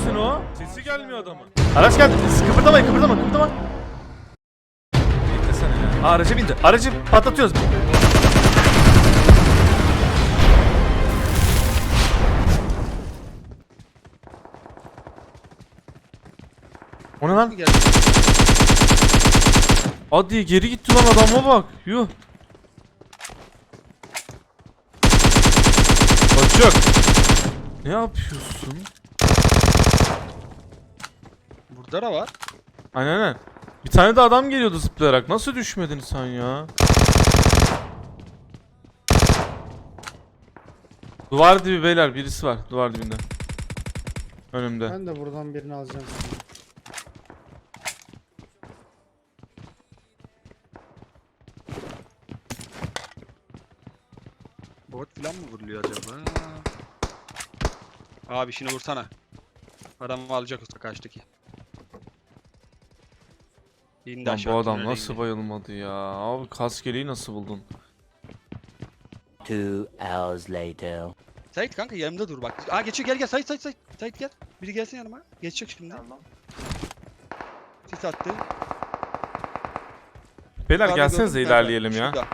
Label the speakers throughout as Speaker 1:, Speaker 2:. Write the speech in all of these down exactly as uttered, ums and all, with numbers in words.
Speaker 1: zaten o. Sesi gelmiyor adamın. Araç geldi. Kıpırdamayın, kıpırdama, kıpırdama. Beklesene ya. Aa, araca bindi. Aracı patlatıyoruz. O ne lan? Hadi geri gitti lan, adama bak. Yuh. Kaçıyor. Ne yapıyorsun?
Speaker 2: Burada da var.
Speaker 1: Aynen aynen. Bir tane de adam geliyordu zıplayarak. Nasıl düşmedin sen ya? Duvar dibi beyler, birisi var duvar dibinde. Önümde.
Speaker 3: Ben de buradan birini alacağım.
Speaker 2: Bot falan mı vuruluyor acaba? Abi şunu vursana. Adamı alacak usta kaçtaki. İndi
Speaker 1: Lan
Speaker 2: aşağı,
Speaker 1: bu adam
Speaker 2: tünele
Speaker 1: nasıl
Speaker 2: indi.
Speaker 1: bayılmadı ya? Abi kaskeliği nasıl buldun?
Speaker 4: Two hours later.
Speaker 2: Sait kanka yanımda dur bak. Aa geçiyor, gel gel Sait Sait Sait. Sait gel. Biri gelsin yanıma. Geçecek şimdi.
Speaker 4: Tamam.
Speaker 2: Sis attı.
Speaker 1: Beyler
Speaker 2: Yukarıda
Speaker 1: gelsenize
Speaker 2: gördüm kanka,
Speaker 1: ilerleyelim ya.
Speaker 2: şurada.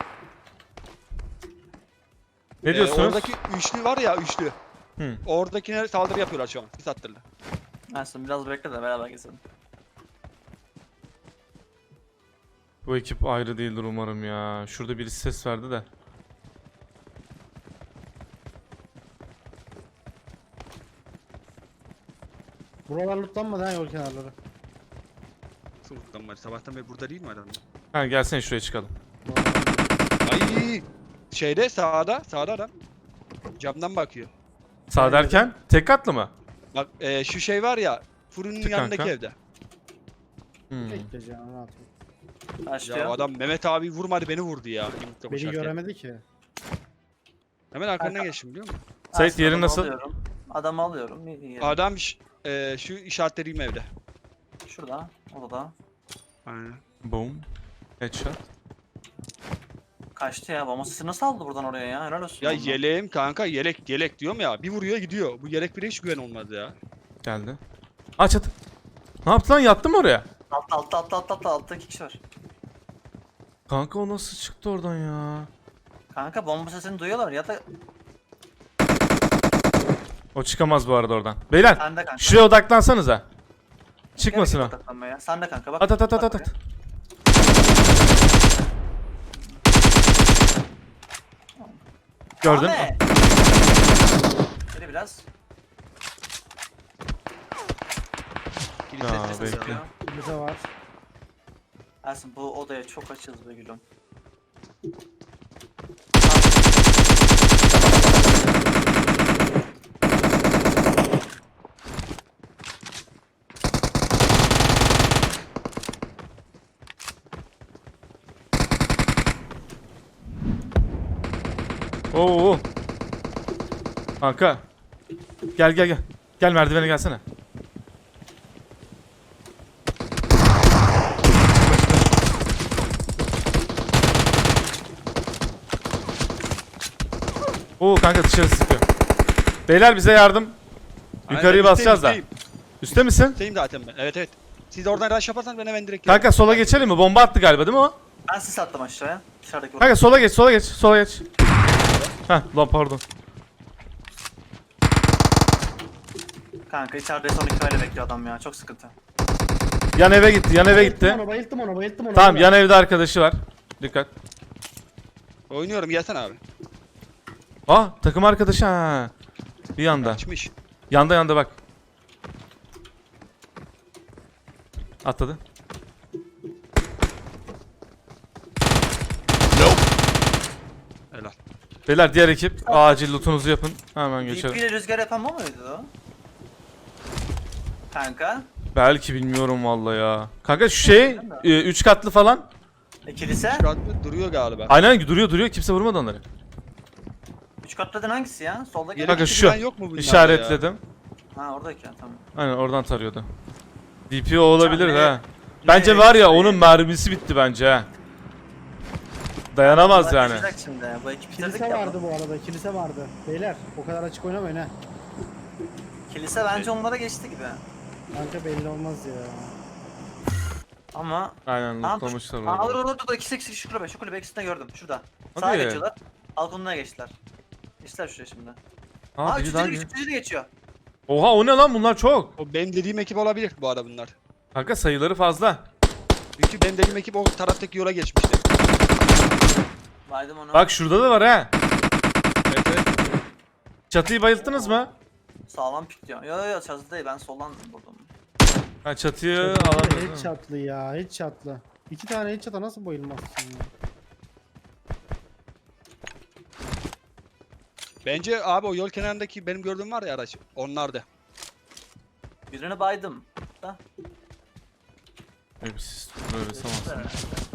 Speaker 1: Ne
Speaker 2: Ee,
Speaker 1: diyorsunuz?
Speaker 2: oradaki üçlü var ya, üçlü.
Speaker 1: Hı.
Speaker 2: Oradakine saldırı yapıyorlar şu an. Sis attırdı.
Speaker 4: Aslında biraz bekle de beraber geçelim.
Speaker 1: Bu ekip ayrı değildir umarım ya. Şurada birisi ses verdi de.
Speaker 3: Buralar lootlanmadı ha, yol kenarları.
Speaker 2: Suluktan var. Sabahtan beri burada değil mi adam?
Speaker 1: Ha gelsene şuraya çıkalım.
Speaker 2: Ay! Şeyde sağda, sağda adam. Camdan bakıyor.
Speaker 1: Sağ derken tek katlı mı?
Speaker 2: Bak e, şu şey var ya, fırının
Speaker 1: Çık
Speaker 2: yanındaki
Speaker 1: kanka.
Speaker 2: evde.
Speaker 1: Hmm.
Speaker 3: Bekleyeceğim, rahat ol.
Speaker 4: Başlıyor.
Speaker 2: Ya adam Mehmet abi vurmadı, beni vurdu ya. yumrukla
Speaker 3: Beni
Speaker 2: koşarken.
Speaker 3: göremedi ki.
Speaker 2: Hemen arkandan geçtim biliyor musun?
Speaker 1: Sait,
Speaker 4: Aslında
Speaker 1: yerin
Speaker 4: adamı
Speaker 1: nasıl?
Speaker 4: Alıyorum. Adamı alıyorum. İyi, iyi.
Speaker 2: Adam ş- e, şu işaretlediğim evde.
Speaker 4: Şurada. Odada.
Speaker 2: Aynen.
Speaker 1: Boom. Headshot.
Speaker 4: Kaçtı ya. Bomba sesi nasıl aldı buradan oraya ya? Helal olsun.
Speaker 2: Ya
Speaker 4: vallahi.
Speaker 2: yeleğim kanka, yelek yelek diyorum ya. Bir vuruyor gidiyor. Bu yelek bile hiç güven olmaz ya.
Speaker 1: Geldi. Aç at. Ne yaptı lan? Yattı mı oraya?
Speaker 4: Altta altta altta altta altta altta iki kişi var.
Speaker 1: Kanka o nasıl çıktı oradan ya?
Speaker 4: Kanka bomba sesini duyuyorlar ya da
Speaker 1: O çıkamaz bu arada oradan. Beyler
Speaker 4: sen de kanka.
Speaker 1: şuraya odaklansanıza. Çıkmasın o.
Speaker 4: Gerek yok odaklanmaya. Sen de kanka bak.
Speaker 1: At at at at
Speaker 4: Bak
Speaker 1: at. at.
Speaker 4: buraya.
Speaker 1: Gördün.
Speaker 4: Ahmet! Geri biraz.
Speaker 2: Kilit
Speaker 1: Ya,
Speaker 2: sesi
Speaker 1: bekle.
Speaker 2: ya.
Speaker 3: Bize var.
Speaker 4: Ersin bu odaya çok açız be gülüm.
Speaker 1: Oo. Kanka. Gel gel gel. Gel merdivene gelsene. Oo kanka dışarı sıkıyor. Beyler bize yardım. Yukarıyı
Speaker 2: Aynen,
Speaker 1: basacağız da.
Speaker 2: üstteyim,
Speaker 1: Üste misin?
Speaker 2: üstteyim zaten ben. Evet evet. Siz de oradan rush yaparsan ben hemen direkt
Speaker 1: Kanka sola geçelim mi? Bomba attı galiba değil mi o?
Speaker 4: Ben sis attım aşağıya. Dışarıdaki
Speaker 1: Kanka sola geç, sola geç, sola geç. Heh lan pardon.
Speaker 4: Kanka içeride son iki öyle bekliyor adam ya. Çok sıkıntı.
Speaker 1: Yan eve gitti, yan eve
Speaker 3: Bayılttım
Speaker 1: gitti.
Speaker 3: onu, bayılttım onu, bayılttım onu.
Speaker 1: Tamam
Speaker 3: Öyle.
Speaker 1: yan evde arkadaşı var. Dikkat.
Speaker 2: Oynuyorum, gelsene abi.
Speaker 1: Aa takım arkadaşı ha. Bir yanda.
Speaker 2: Açmış.
Speaker 1: Yanda yanda bak. Atladı.
Speaker 2: Helal.
Speaker 1: Beyler diğer ekip acil lootunuzu yapın. Hemen
Speaker 4: D P
Speaker 1: geçelim.
Speaker 4: ile rüzgar yapan o muydu o? Kanka.
Speaker 1: Belki bilmiyorum vallahi ya. Kanka şu şey e, üç katlı falan.
Speaker 4: E, kilise?
Speaker 2: Şu an duruyor galiba.
Speaker 1: Aynen duruyor duruyor, kimse vurmadı onları.
Speaker 4: Üç katlıdın hangisi ya? Solda gelen.
Speaker 1: Kanka
Speaker 2: Yelek
Speaker 1: şu.
Speaker 2: falan yok mu bunlarda
Speaker 1: İşaretledim.
Speaker 4: Ha oradaki ya tamam.
Speaker 1: Aynen oradan tarıyordu. D P o olabilir
Speaker 4: Can,
Speaker 1: ha.
Speaker 4: ne-
Speaker 1: Bence
Speaker 4: ne-
Speaker 1: var ya
Speaker 4: ne-
Speaker 1: onun mermisi bitti bence ha. Dayanamaz
Speaker 4: Bunlar
Speaker 1: yani.
Speaker 4: geçecek Şimdi. Bu ekip bitirdik
Speaker 3: Kilise
Speaker 4: ya.
Speaker 3: vardı bu arada, kilise vardı. Beyler, o kadar açık oynamayın ha.
Speaker 4: Kilise bence onlara geçti gibi.
Speaker 3: Kanka belli olmaz ya.
Speaker 4: Ama
Speaker 1: Aynen
Speaker 4: Tamam, dur.
Speaker 1: lootlamışlar
Speaker 4: Aa, dur
Speaker 1: orada.
Speaker 4: dur dur dur ikisi ikisi şu kulübe şu kulübe ikisini de gördüm şurada.
Speaker 1: Hadi.
Speaker 4: Sağa geçiyorlar. Balkonuna geçtiler. Geçtiler şuraya şimdi.
Speaker 1: Aa,
Speaker 4: Aa
Speaker 1: biri
Speaker 4: üçüncü
Speaker 1: daha
Speaker 4: de
Speaker 1: geliyor.
Speaker 4: üçüncü de geçiyor.
Speaker 1: Oha o ne lan bunlar çok.
Speaker 2: O benim dediğim ekip olabilir bu arada bunlar.
Speaker 1: Kanka sayıları fazla.
Speaker 2: Çünkü benim dediğim ekip o taraftaki yola geçmişti.
Speaker 4: Baydım onu.
Speaker 1: Bak şurada da var ha.
Speaker 2: Evet evet.
Speaker 1: Çatıyı bayılttınız mı?
Speaker 4: Sağlam pik diyor. Yo yo yo çatıda değil ben soldan vurdum.
Speaker 1: Ha çatıyı
Speaker 3: Çok
Speaker 1: alamıyoruz.
Speaker 3: Hiç
Speaker 1: değil mi?
Speaker 3: çatlı ya, hiç çatlı. İki tane hiç çata nasıl bayılmazsın ya?
Speaker 2: Bence abi o yol kenarındaki benim gördüğüm var ya araç. Onlardı.
Speaker 4: Birini baydım. Da.
Speaker 1: Hep siz böyle sanırsın.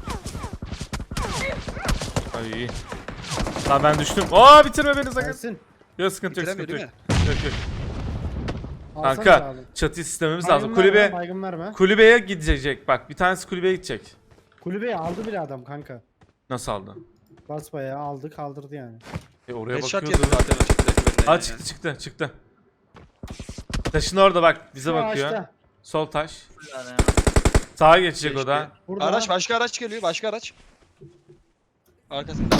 Speaker 1: Ay iyi. Lan ben düştüm. Aa bitirme beni sakın.
Speaker 3: Gelsin.
Speaker 1: Yok sıkıntı yok
Speaker 2: Bitiremiyor
Speaker 1: sıkıntı yok.
Speaker 2: değil mi?
Speaker 1: Yok yok.
Speaker 3: Alsana
Speaker 1: Kanka
Speaker 3: abi.
Speaker 1: çatıyı sistemimiz
Speaker 3: Baygın
Speaker 1: lazım.
Speaker 3: verme,
Speaker 1: Kulübe
Speaker 3: Baygın verme.
Speaker 1: kulübeye gidecek. Bak bir tanesi kulübeye gidecek.
Speaker 3: Kulübeyi aldı bile adam kanka.
Speaker 1: Nasıl aldı?
Speaker 3: Basbayağı aldı kaldırdı yani.
Speaker 1: E oraya
Speaker 2: Headshot
Speaker 1: bakıyordu.
Speaker 2: yedi zaten o çatıdaki benden.
Speaker 1: Aa çıktı çıktı çıktı. Taşın orada bak bize
Speaker 3: Şu
Speaker 1: bakıyor.
Speaker 3: ağaçta.
Speaker 1: Sol taş.
Speaker 4: Yani.
Speaker 1: Sağa geçecek o
Speaker 2: Geçti.
Speaker 1: da.
Speaker 3: Burada.
Speaker 2: Araç başka araç geliyor başka araç. Arkasında.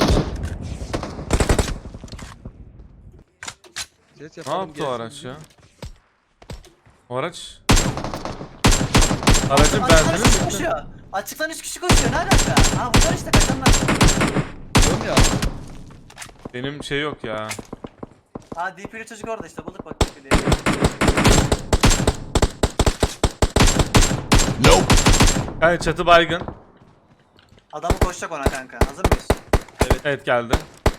Speaker 2: Ses
Speaker 1: Ne
Speaker 2: yapalım,
Speaker 1: yaptı o
Speaker 2: gelsin.
Speaker 1: araç ya? O araç. Aracın
Speaker 4: Açıktan
Speaker 1: benzini
Speaker 4: üç kişi
Speaker 1: bitti.
Speaker 4: koşuyor. Açıktan üç kişi koşuyor ne alaka? Ha bunlar işte kaçanlar.
Speaker 2: Diyorum ya.
Speaker 1: Benim şey yok ya.
Speaker 4: Ha D P'li çocuk orada işte bulduk bak D P'li.
Speaker 1: Yani çatı baygın.
Speaker 4: Adamı koşacak ona kanka. Hazır mıyız?
Speaker 1: Evet geldi.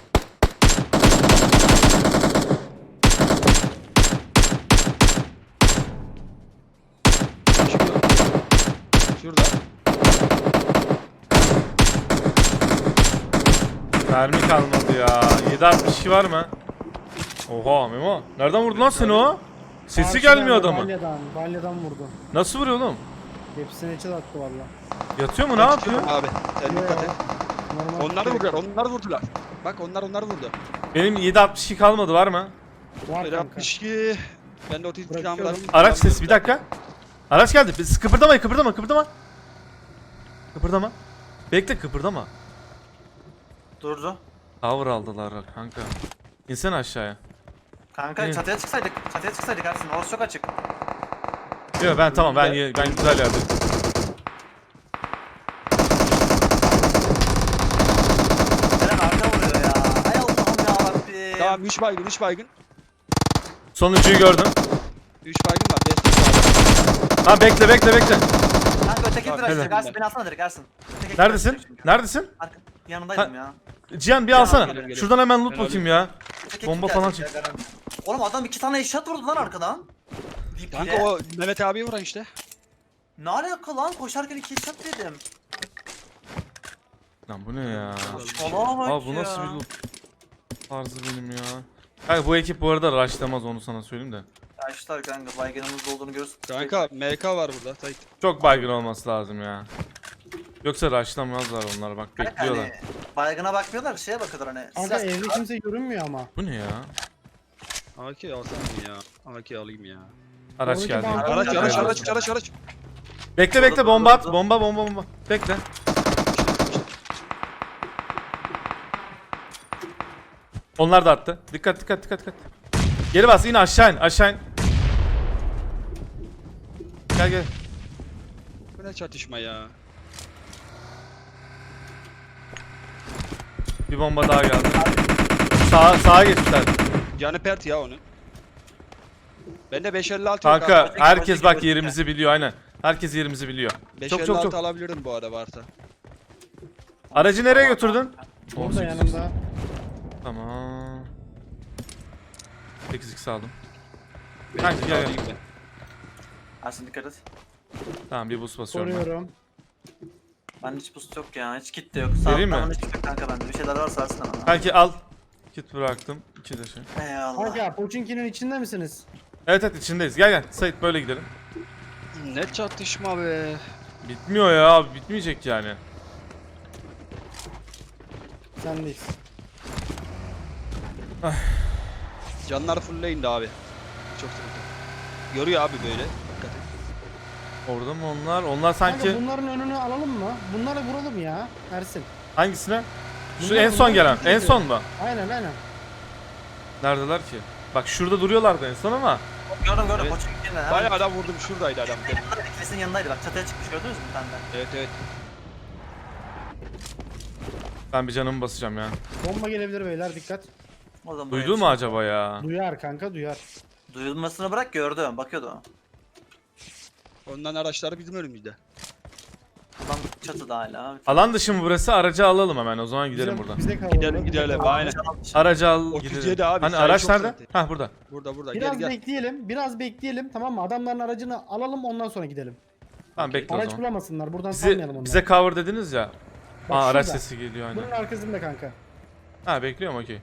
Speaker 2: Şurada. Şurada.
Speaker 1: Mermi kalmadı ya. yedi altmış iki var mı? Oha Memo. Nereden vurdu lan seni o? Sesi
Speaker 3: Karşıdan
Speaker 1: gelmiyor
Speaker 3: da
Speaker 1: adamın.
Speaker 3: Balyadan, balyadan vurdu.
Speaker 1: Nasıl vuruyor oğlum?
Speaker 3: Hepsini içe attı valla.
Speaker 1: Yatıyor mu ne
Speaker 2: Ben
Speaker 1: yapıyor?
Speaker 2: çıkıyorum Abi. Sen
Speaker 3: Yo,
Speaker 2: dikkat et.
Speaker 3: normal
Speaker 2: Onları
Speaker 3: şey.
Speaker 2: vurdular. Onları vurdular. Bak onlar onları vurdu.
Speaker 1: Benim yedi altmış iki kalmadı var mı?
Speaker 3: Var
Speaker 2: Bir
Speaker 3: kanka.
Speaker 2: altmış iki. Ben de otuz iki
Speaker 3: Bırakıyorum.
Speaker 2: silahım var.
Speaker 1: Araç sesi bir dakika. Araç geldi. Biz kıpırdamayın kıpırdama kıpırdama. Kıpırdama. Bekle kıpırdama.
Speaker 4: Durdu.
Speaker 1: Tower aldılar kanka. İnsene aşağıya.
Speaker 4: Kanka
Speaker 1: Hı.
Speaker 4: çatıya çıksaydık. Çatıya çıksaydık Ersin. Orası çok açık.
Speaker 1: Yok ben tamam ben ye- ben güzel yerdeyim.
Speaker 4: Eren arka vuruyor ya. Hay Allah'ım yarabbim.
Speaker 2: Tamam üç baygın üç baygın.
Speaker 1: Sonuncuyu gördüm.
Speaker 2: üç baygın var. Destek var.
Speaker 1: Ha bekle bekle bekle.
Speaker 4: Kanka öteki
Speaker 2: Tamam,
Speaker 4: viraj direkt.
Speaker 2: helal.
Speaker 4: Ersin beni alsana direkt Ersin. Öteki viraj
Speaker 1: Neredesin?
Speaker 4: direkt çünkü.
Speaker 1: Neredesin?
Speaker 4: Arka, yanındaydım ya.
Speaker 1: Cihan bir
Speaker 4: Cihan
Speaker 1: alsana.
Speaker 4: abi, geliyorum,
Speaker 1: Şuradan hemen loot
Speaker 2: Ben
Speaker 1: bakayım ya.
Speaker 4: Öteki
Speaker 1: Bomba
Speaker 4: kim
Speaker 1: falan
Speaker 4: gelecek ya, Eren? Oğlum adam iki tane eşyat vurdu lan arkadan. D P'ye.
Speaker 2: Kanka o Mehmet abiye vuran işte.
Speaker 4: Ne alaka lan? Koşarken iki eşyat dedim.
Speaker 1: Lan bu ne ya?
Speaker 4: Allah'a bak
Speaker 1: Abi bu
Speaker 4: ya.
Speaker 1: nasıl bir loot tarzı benim ya. Kanka bu ekip bu arada rushlamaz onu sana söyleyeyim de.
Speaker 4: Yaşlar kanka baygınımız olduğunu görürsün.
Speaker 2: Kanka M K var burada. Sait.
Speaker 1: Çok baygın olması lazım ya. Yoksa rushlamazlar onlar bak
Speaker 4: Kanka
Speaker 1: bekliyorlar.
Speaker 4: hani baygına bakmıyorlar şeye bakıyorlar hani.
Speaker 3: Kanka
Speaker 4: silah-
Speaker 3: evde kimse görünmüyor ama.
Speaker 1: Bu ne ya?
Speaker 2: A K alsam mı ya? A K alayım ya.
Speaker 1: Araç
Speaker 3: Oradaki
Speaker 1: geldi.
Speaker 3: banka-
Speaker 2: Araç
Speaker 4: Araç,
Speaker 2: araç
Speaker 4: araç.
Speaker 2: araç araç araç.
Speaker 1: Bekle bekle bomba at. Bomba bomba bomba. Bekle. Onlar da attı. Dikkat dikkat dikkat dikkat. Geri bas in aşağı in aşağı in. Gel gel.
Speaker 2: Bu ne çatışma ya?
Speaker 1: Bir bomba daha geldi. Sağa sağa geçtiler.
Speaker 2: Canı pert ya onun. Bende beş elli altı yok
Speaker 1: Kanka
Speaker 2: abi.
Speaker 1: herkes bak yerimizi biliyor aynen. Herkes yerimizi biliyor. Çok çok
Speaker 2: beş elli altı
Speaker 1: çok.
Speaker 2: alabilirim bu arada varsa.
Speaker 1: Aracı nereye götürdün?
Speaker 3: Burada yanımda.
Speaker 1: Tamam. sekiz x aldım. Kanka gel gel.
Speaker 2: Alayım ben.
Speaker 4: Ersin dikkat et.
Speaker 1: Tamam bir boost basıyorum ben.
Speaker 3: Koruyorum.
Speaker 4: Ben hiç boost yok ya. Hiç kit de yok.
Speaker 1: Vereyim mi?
Speaker 4: Sağlıktan hiç yok kanka bende. Bir şeyler varsa Ersin ama.
Speaker 1: Kanki al. Kit bıraktım. İki de şey.
Speaker 4: Eyvallah.
Speaker 3: Kanka Pochinki'nin içinde misiniz?
Speaker 1: Evet evet içindeyiz. Gel gel. Sait böyle gidelim.
Speaker 2: Ne çatışma be.
Speaker 1: Bitmiyor ya abi. Bitmeyecek yani.
Speaker 3: Sendeyiz.
Speaker 2: Canlar fullleyin de abi. Çok sıkıntı. Görüyor abi böyle. Dikkat et.
Speaker 1: Orada mı onlar? Onlar
Speaker 3: Kanka
Speaker 1: sanki
Speaker 3: bunların önünü alalım mı? Bunları vuralım ya Ersin.
Speaker 1: hangisine? Şu
Speaker 3: Bunlar-
Speaker 1: en son
Speaker 3: bunlar
Speaker 1: gelen.
Speaker 3: gidiyor.
Speaker 1: En son mu?
Speaker 3: Aynen aynen.
Speaker 1: Neredeler ki? Bak şurada duruyorlardı en son ama.
Speaker 4: Gördüm gördüm.
Speaker 2: Evet.
Speaker 4: Koçun gittiğinde. hemen
Speaker 2: Bayağı adam vurdum şuradaydı adam.
Speaker 4: yanındaydı, ikilisinin yanındaydı bak. Çatıya çıkmış gördünüz mü bir tane de?
Speaker 2: Evet evet.
Speaker 1: Ben bir canımı basacağım ya.
Speaker 3: Bomba gelebilir beyler dikkat.
Speaker 4: O zaman buraya
Speaker 1: Duydu mu
Speaker 4: çıktı.
Speaker 1: acaba ya?
Speaker 3: Duyar kanka duyar.
Speaker 4: Duyulmasını bırak gördüm. Bakıyordu o.
Speaker 2: Ondan araçları bizim önümüzde.
Speaker 4: Adam çatıda hala.
Speaker 1: Alan dışı mı burası? Aracı alalım hemen. O zaman gidelim
Speaker 3: Bize-
Speaker 1: buradan.
Speaker 3: Bize kaldı.
Speaker 2: Gidelim, gidelim, aynen.
Speaker 1: Aracı al
Speaker 2: otuz yedi
Speaker 1: gidelim.
Speaker 2: abi,
Speaker 1: Hani
Speaker 2: sayı
Speaker 1: araç
Speaker 2: çok
Speaker 1: nerede?
Speaker 2: zaten.
Speaker 1: Hah burada.
Speaker 2: Burada burada
Speaker 3: Biraz
Speaker 2: gel gel.
Speaker 3: bekleyelim. Biraz bekleyelim tamam mı? Adamların aracını alalım ondan sonra gidelim.
Speaker 1: Tamam bekle o
Speaker 3: Araç
Speaker 1: zaman.
Speaker 3: bulamasınlar. Buradan salmayalım
Speaker 1: Bize,
Speaker 3: onları.
Speaker 1: bize cover dediniz ya.
Speaker 3: Bak
Speaker 1: Aa araç
Speaker 3: şurada.
Speaker 1: sesi geliyor
Speaker 3: Bunun
Speaker 1: hani.
Speaker 3: arkasında kanka.
Speaker 1: Ha bekliyorum okey.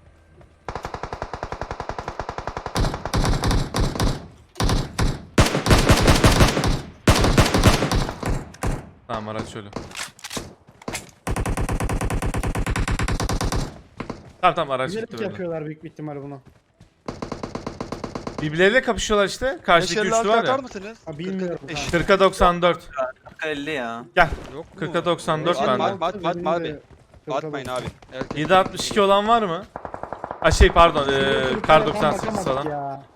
Speaker 1: Tamam araç şöyle. Tamam tamam araç gitti
Speaker 3: Bilerek
Speaker 1: böyle.
Speaker 3: yapıyorlar büyük bir ihtimal bunu.
Speaker 1: Birbirleriyle kapışıyorlar işte. Karşıdaki
Speaker 2: beş elli
Speaker 1: üçlü
Speaker 2: altı
Speaker 1: var
Speaker 2: atar
Speaker 1: ya.
Speaker 2: mısınız?
Speaker 3: Ha, bilmiyorum
Speaker 2: kırk beş.
Speaker 3: kanka.
Speaker 1: kırka doksan dört.
Speaker 4: Dakika elli ya.
Speaker 1: Gel.
Speaker 2: Yok mu?
Speaker 1: kırka doksan dört
Speaker 2: Atma,
Speaker 1: bende.
Speaker 2: atma, atma, atma abi.
Speaker 3: Kırka
Speaker 2: Atmayın abi. Erkek.
Speaker 1: yedi altmış iki olan var mı? Ha şey pardon. Ee,
Speaker 3: Kırka
Speaker 1: kar
Speaker 3: doksan
Speaker 1: doksan sekiz
Speaker 3: bakamadık
Speaker 1: falan.
Speaker 3: ya.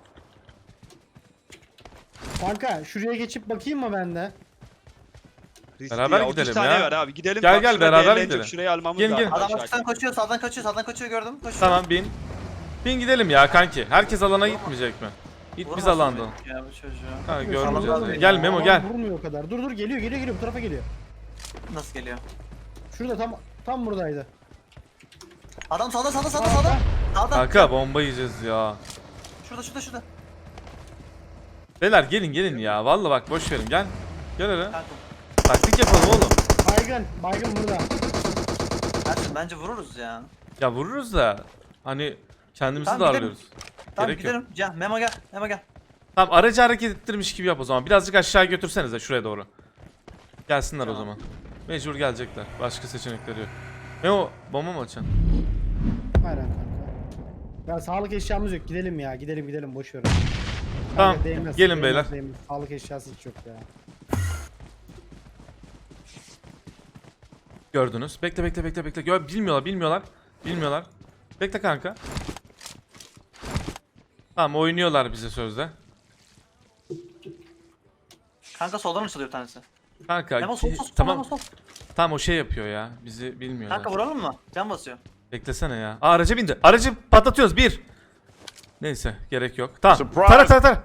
Speaker 3: Kanka şuraya geçip bakayım mı ben de?
Speaker 2: Riskli
Speaker 1: Beraber
Speaker 2: ya, otuz
Speaker 1: gidelim
Speaker 2: tane
Speaker 1: ya.
Speaker 2: var abi. Gidelim.
Speaker 1: Gel,
Speaker 2: bak,
Speaker 1: gel,
Speaker 2: şurada
Speaker 1: beraber
Speaker 2: eğlenecek,
Speaker 1: gidelim.
Speaker 2: Şurayı almamız
Speaker 1: Gelin,
Speaker 2: lazım.
Speaker 1: gelin.
Speaker 4: Adam
Speaker 2: aşağı.
Speaker 4: açıktan koşuyor, sağdan kaçıyor, sağdan kaçıyor gördüm. Koşuyor.
Speaker 1: Tamam bin. Bin gidelim ya kanki. Herkes alana gitmeyecek mi? Git biz
Speaker 4: Vurmasın
Speaker 1: alanda.
Speaker 4: beni Ya bu çocuğu.
Speaker 1: Ha
Speaker 3: Alalım
Speaker 1: görmeyeceğiz.
Speaker 3: ya.
Speaker 1: ya. Gel Memo
Speaker 3: Alan
Speaker 1: gel.
Speaker 3: Vurmuyor o kadar. Dur dur geliyor geliyor geliyor bu tarafa geliyor.
Speaker 4: Nasıl geliyor?
Speaker 3: Şurada tam tam buradaydı.
Speaker 4: Adam sağda sağda sağda sağda. Sağda.
Speaker 1: Kanka bomba yiyeceğiz ya.
Speaker 4: Şurada şurada şurada.
Speaker 1: Beyler gelin gelin ya. Vallahi bak boş verin gel. Gel hele.
Speaker 4: Kanka.
Speaker 1: Taktik yapalım oğlum.
Speaker 3: Baygın. Baygın burada.
Speaker 4: Ersin bence vururuz ya.
Speaker 1: Ya vururuz da hani kendimizi
Speaker 4: Tamam,
Speaker 1: darlıyoruz.
Speaker 4: Tamam
Speaker 1: Gerek yok.
Speaker 4: gidelim. Gel Memo gel. Memo gel.
Speaker 1: Tamam aracı hareket ettirmiş gibi yap o zaman. Birazcık aşağı götürsenize şuraya doğru. Gelsinler o
Speaker 4: Tamam.
Speaker 1: zaman. Mecbur gelecekler. Başka seçenekleri yok. Memo bomba mı açacaksın?
Speaker 3: Aynen kanka. Ya sağlık eşyamız yok. Gidelim ya. Gidelim gidelim boş ver.
Speaker 1: Tamam,
Speaker 3: Kanka, değmez,
Speaker 1: gelin
Speaker 3: değmez,
Speaker 1: beyler.
Speaker 3: değmez. Sağlık eşyası hiç yok ya.
Speaker 1: Gördünüz. Bekle bekle bekle bekle. Gör bilmiyorlar bilmiyorlar. Bilmiyorlar. Bekle kanka. Tamam oynuyorlar bize sözde.
Speaker 4: Kanka soldan açılıyor bir tanesi.
Speaker 1: Kanka
Speaker 4: Memo sol sol sol.
Speaker 1: tamam.
Speaker 4: Memo sol.
Speaker 1: Tamam o şey yapıyor ya. Bizi bilmiyorlar.
Speaker 4: Kanka vuralım mı? Can basıyor.
Speaker 1: Beklesene ya. Aa, araca bindi. Aracı patlatıyoruz. Bir. Neyse gerek yok. Tamam.
Speaker 5: Surprise.
Speaker 1: Tara tara tara.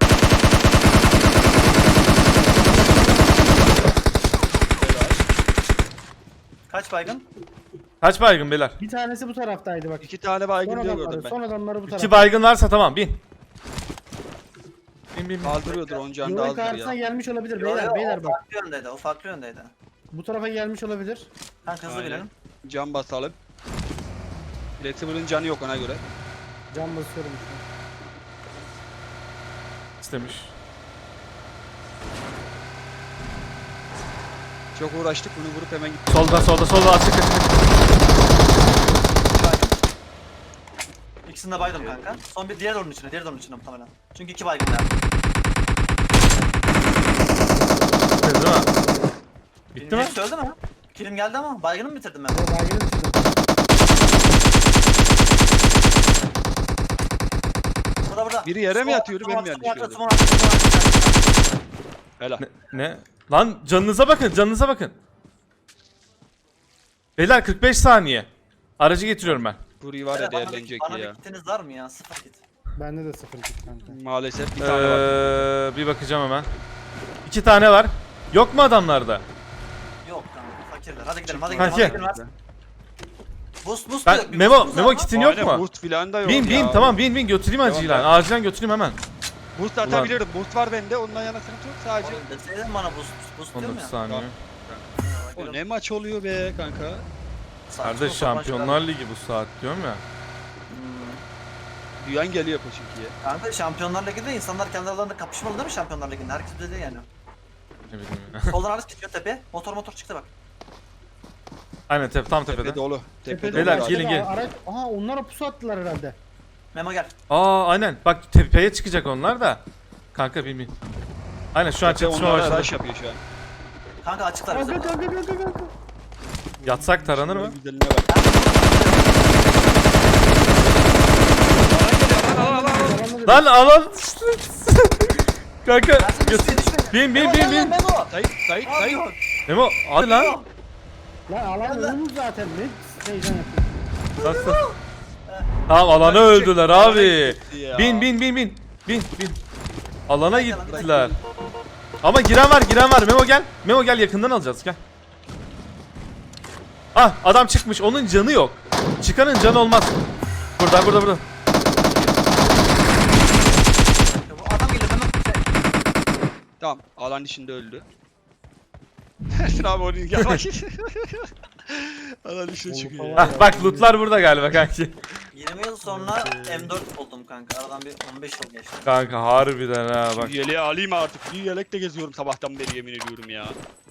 Speaker 4: Kaç baygın?
Speaker 1: Kaç baygın beyler?
Speaker 3: Bir tanesi bu taraftaydı bak.
Speaker 2: İki tane
Speaker 3: Son
Speaker 2: baygın diyor
Speaker 3: adamları,
Speaker 2: gördüm ben.
Speaker 3: son adamları bu tarafta.
Speaker 1: İki baygın varsa tamam bin. Bin bin bin.
Speaker 2: Kaldırıyordur on can da
Speaker 3: Yolun
Speaker 2: azdır
Speaker 3: karşısına
Speaker 2: ya.
Speaker 3: gelmiş olabilir
Speaker 4: Yo,
Speaker 3: beyler
Speaker 4: yo,
Speaker 3: beyler
Speaker 4: o
Speaker 3: bak.
Speaker 4: farklı yöndeydi. O farklı yöndeydi.
Speaker 3: Bu tarafa gelmiş olabilir.
Speaker 4: Kanka hızlı
Speaker 2: Aynen.
Speaker 4: bilelim.
Speaker 2: Can basalım. Flexibil'in canı yok ona göre.
Speaker 3: Can basıyorum işte.
Speaker 1: İstemiş.
Speaker 2: Çok uğraştık bunu vurup hemen gittik.
Speaker 1: Solda solda solda açık açık.
Speaker 4: İkisini de baydım kanka. Son bir diğer onun içine, diğer onun içine muhtemelen. Çünkü iki baygın var.
Speaker 1: Değil mi? Bitti mi?
Speaker 4: Hepsi öldü mü? Kilim geldi ama baygını mı bitirdim ben?
Speaker 3: O baygını bitirdim.
Speaker 4: Burada burada.
Speaker 2: Biri yere mi
Speaker 4: Sol-
Speaker 2: yatıyordu,
Speaker 4: sol
Speaker 2: benim
Speaker 4: altı,
Speaker 2: yanlış
Speaker 4: sol altı,
Speaker 2: gördüm.
Speaker 4: sol altı, sol altı.
Speaker 2: Helal.
Speaker 1: Ne? ne? Lan canınıza bakın canınıza bakın. Beyler kırk beş saniye. Aracı getiriyorum ben.
Speaker 2: Burayı var ya
Speaker 4: Bana bir-
Speaker 2: değerlenecek
Speaker 4: Bana bir
Speaker 2: ya.
Speaker 4: kitiniz var mı ya? Sıfır kit.
Speaker 3: Bende de sıfır kit kanka.
Speaker 2: Maalesef bir tane var.
Speaker 1: Ee, bir bakacağım hemen. İki tane var. Yok mu adamlarda?
Speaker 4: Yok kanka fakirler. Hadi gidelim hadi
Speaker 1: Kanki.
Speaker 4: gidelim. Hadi gidelim. Boost boost
Speaker 1: Ben
Speaker 4: yok, bir
Speaker 1: Memo
Speaker 4: boostumuz
Speaker 1: Memo
Speaker 4: var mı?
Speaker 1: kitin yok
Speaker 2: Aynen,
Speaker 1: mu?
Speaker 2: Boost filan da yok
Speaker 1: Bin
Speaker 2: ya.
Speaker 1: bin tamam bin bin götüreyim
Speaker 2: Devam,
Speaker 1: acilen.
Speaker 2: devam.
Speaker 1: Acilen götüreyim hemen.
Speaker 2: Boost atabilirim. Boost var bende. Ondan yana sıkıntı yok sadece.
Speaker 4: Oğlum deseydin bana boost boost
Speaker 1: on
Speaker 4: diyorum
Speaker 1: dokuz
Speaker 4: ya.
Speaker 1: saniye.
Speaker 2: O ne maç oluyor be kanka.
Speaker 4: Saçma
Speaker 1: Kardeş
Speaker 4: sapan
Speaker 1: Şampiyonlar
Speaker 4: şeyler.
Speaker 1: Ligi bu saat diyorum ya.
Speaker 4: Hmm.
Speaker 2: Duyan geliyor Koçinki'ye.
Speaker 4: Kanka Şampiyonlar Ligi'nde insanlar kendi aralarında kapışmalı değil mi Şampiyonlar Ligi'nde? Herkes dedi yani.
Speaker 1: Ne bileyim ya.
Speaker 4: Soldan araç gidiyor tepeye. Motor motor çıktı bak.
Speaker 1: Aynen tep tam
Speaker 2: Tepe
Speaker 1: tepede.
Speaker 2: dolu. Tepe
Speaker 3: Tepede
Speaker 2: dolu.
Speaker 1: Beyler,
Speaker 2: abi.
Speaker 1: gelin, gelin.
Speaker 3: Araç, aha onlara pusu attılar herhalde.
Speaker 4: Memo gel.
Speaker 1: Aa aynen. Bak tepeye çıkacak onlar da. Kanka bin bin. Aynen şu an
Speaker 2: Tepe
Speaker 1: çatışma
Speaker 2: onlara
Speaker 1: başladı.
Speaker 2: rush yapıyor şu an.
Speaker 4: Kanka açıklar bize.
Speaker 3: Kanka kanka kanka kanka.
Speaker 1: Yatsak taranır mı?
Speaker 2: Güzeline bak. Alan geliyor, alan, alan, alan.
Speaker 1: Lan alan. Kanka
Speaker 4: Ersin
Speaker 1: götür.
Speaker 4: düşme düşme.
Speaker 1: Bin bin
Speaker 4: Memo,
Speaker 1: bin
Speaker 4: gel lan
Speaker 1: bin.
Speaker 4: Memo.
Speaker 2: Sait, Sait,
Speaker 4: Ne
Speaker 2: Sait.
Speaker 4: yapıyorsun?
Speaker 1: Memo hadi lan.
Speaker 4: Memo.
Speaker 3: Lan alan
Speaker 4: Gel lan.
Speaker 3: ölümüz zaten ne heyecan yapıyor.
Speaker 1: Nasıl? Tamam alana öldüler abi.
Speaker 2: Ya.
Speaker 1: Bin bin bin bin. Bin bin. Alana gittiler. Ama giren var giren var. Memo gel. Memo gel yakından alacağız gel. Ah adam çıkmış. Onun canı yok. Çıkanın canı olmaz. Burada burada burada.
Speaker 4: Bu adam geliyor Memo.
Speaker 2: Tamam, alan içinde öldü. Ersin abi onu gel bak. Alan içine çıkıyor ya.
Speaker 1: Ah bak lootlar burada galiba kanki.
Speaker 4: yirmi yıl sonra M dört buldum kanka. Aradan bir on beş yıl geçti.
Speaker 1: Kanka harbiden ha bak.
Speaker 2: Bir yeleği alayım artık. Bir yelekle geziyorum sabahtan beri yemin ediyorum ya.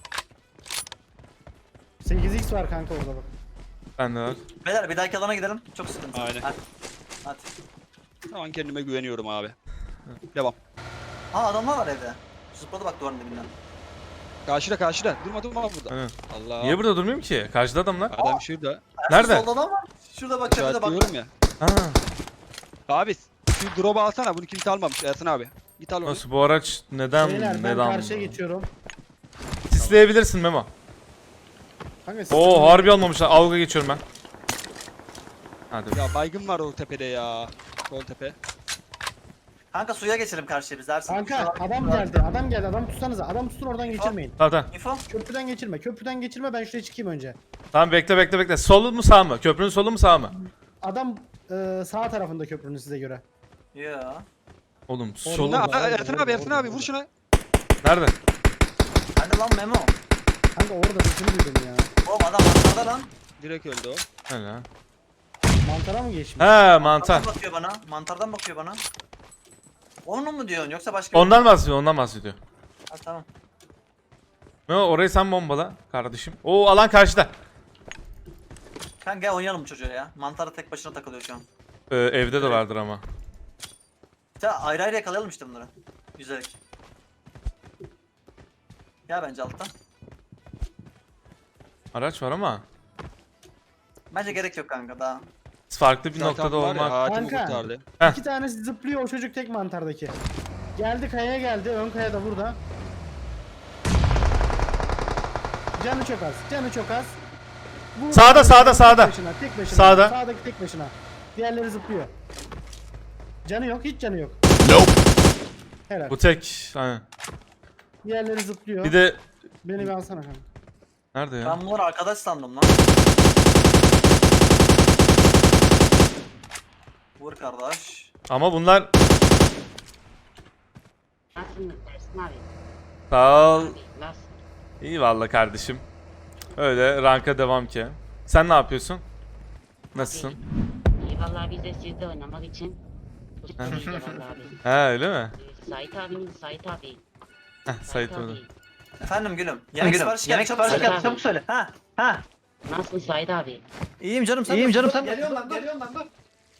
Speaker 3: sekiz x var kanka orada bak.
Speaker 1: Ben de var.
Speaker 4: Beyler bir dahaki alana gidelim. Çok sıkıntı.
Speaker 2: Aynen.
Speaker 4: Hadi. Hadi.
Speaker 2: Tamam kendime güveniyorum abi. Devam.
Speaker 4: Ha adamlar var evde. Zıpladı bak duvarın dibinden.
Speaker 2: Karşıda karşıda. Durma durma burada.
Speaker 1: Aynen.
Speaker 2: Allah.
Speaker 1: Niye burada durmuyorum ki? Karşıda adamlar.
Speaker 2: Adam şurada.
Speaker 4: Ersin,
Speaker 1: Nerede?
Speaker 4: Solda adam var. Şurada bak tepede bak.
Speaker 2: İşaretliyorum ya.
Speaker 1: Ha.
Speaker 2: Abi şu drop'u alsana bunu kimse almamış Ersin abi. Git al onu.
Speaker 1: Nasıl bu araç neden
Speaker 3: Beyler ben
Speaker 1: neden?
Speaker 3: karşıya geçiyorum.
Speaker 1: Sisleyebilirsin Memo.
Speaker 3: Kanka siz-
Speaker 1: Oo harbi almamışlar. Avga geçiyorum ben. Hadi.
Speaker 2: Ya baygın var o tepede ya. Sol tepe.
Speaker 4: Kanka suya geçelim karşıya biz Ersin.
Speaker 3: Kanka
Speaker 4: Şurada-
Speaker 3: adam geldi adam geldi adam tutsanıza adam tutsun oradan geçirmeyin.
Speaker 1: Tamam tamam.
Speaker 4: Info.
Speaker 3: Köprüden geçirme köprüden geçirme ben şuraya çıkayım önce.
Speaker 1: Tamam bekle bekle bekle. Solu mu sağ mı? Köprünün solu mu sağ mı?
Speaker 3: Adam e, sağ tarafında köprünün size göre.
Speaker 4: Ya.
Speaker 1: Oğlum
Speaker 3: Orada
Speaker 1: solu.
Speaker 3: da-
Speaker 2: Aa, Ersin abi Ersin abi vur şuna.
Speaker 1: Nerede?
Speaker 4: Hadi lan Memo.
Speaker 3: Kanka orada sesini duydum ya.
Speaker 4: Oğlum adam mantarda lan.
Speaker 2: Direkt öldü o.
Speaker 1: Öyle ha.
Speaker 3: Mantara mı geçmiş?
Speaker 1: He mantar.
Speaker 4: Mantardan bakıyor bana. Mantardan bakıyor bana. Onu mu diyorsun yoksa başka bir-
Speaker 1: Ondan bahsediyor ondan bahsediyor.
Speaker 4: Ha, tamam.
Speaker 1: Memo orayı sen bombala kardeşim. Oo alan karşıda.
Speaker 4: Kanka gel oynayalım bu çocuğa ya. Mantarda tek başına takılıyor şu an.
Speaker 1: Ee, evde de vardır ama.
Speaker 4: Ya ayrı ayrı yakalayalım işte bunları. Yüzerek. Gel bence alttan.
Speaker 1: Araç var ama.
Speaker 4: Bence gerek yok kanka daha.
Speaker 1: Farklı bir
Speaker 2: Zaten
Speaker 1: noktada
Speaker 2: var ya,
Speaker 1: olmak.
Speaker 2: hayatımı
Speaker 3: Kanka.
Speaker 2: kurtardı.
Speaker 1: Heh.
Speaker 3: İki tanesi zıplıyor o çocuk tek mantardaki. Geldi kayaya geldi ön kaya da burada. Canı çok az canı çok az. Bu-
Speaker 1: Sağda, sağda, sağda.
Speaker 3: Tek başına, tek başına.
Speaker 1: Sağda.
Speaker 3: Sağdaki tek başına. Diğerleri zıplıyor. Canı yok hiç canı yok. Helal.
Speaker 1: Bu tek. Aynen.
Speaker 3: Diğerleri zıplıyor.
Speaker 1: Bir de
Speaker 3: Beni bir alsana kanka.
Speaker 1: nerede ya?
Speaker 4: Ben bunları arkadaş sandım lan. Vur kardeş.
Speaker 1: Ama bunlar
Speaker 5: Nasılsın Ersin abi?
Speaker 1: sağ ol.
Speaker 5: Abi, nasıl?
Speaker 1: İyi vallahi kardeşim. Öyle ranka devam ki. Sen ne yapıyorsun? Nasılsın?
Speaker 5: İyi vallahi biz de sizde oynamak için tutturuz ya vallahi abi.
Speaker 1: He öyle mi?
Speaker 5: Ee, Sait abinin Sait abi.
Speaker 1: Heh Sait orada.
Speaker 5: abi.
Speaker 4: Efendim gülüm. Yemek siparişi geldi. Çabuk
Speaker 5: siparişi
Speaker 4: söyle.
Speaker 5: geldi,
Speaker 4: Çabuk söyle. Ha. Ha.
Speaker 5: Nasılsın Sait abi?
Speaker 4: İyiyim canım sen. İyiyim canım sen.
Speaker 3: Geliyorum lan geliyorum lan dur.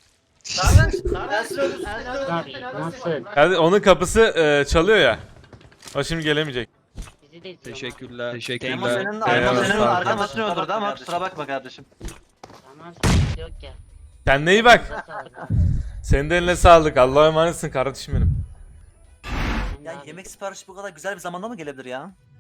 Speaker 5: Abi nasıl?
Speaker 1: Yani onun kapısı e, çalıyor ya. O şimdi gelemeyecek.
Speaker 5: Bizi de izliyor.
Speaker 2: Teşekkürler.
Speaker 4: Emo
Speaker 2: Teşekkürler.
Speaker 4: senin,
Speaker 1: Eyvallah,
Speaker 4: Emo senin
Speaker 1: sağ ol.
Speaker 4: arkadaşını öldürdü ama kusura bakma kardeşim.
Speaker 5: Tamam sıkıntı yok ya.
Speaker 1: Kendine iyi bak.
Speaker 5: Size sağlık.
Speaker 1: Senin de eline sağlık. Allah'a emanetsin kardeşim benim.
Speaker 5: Sen de
Speaker 4: Ya
Speaker 5: abi.
Speaker 4: yemek siparişi bu kadar güzel bir zamanda mı gelebilir ya?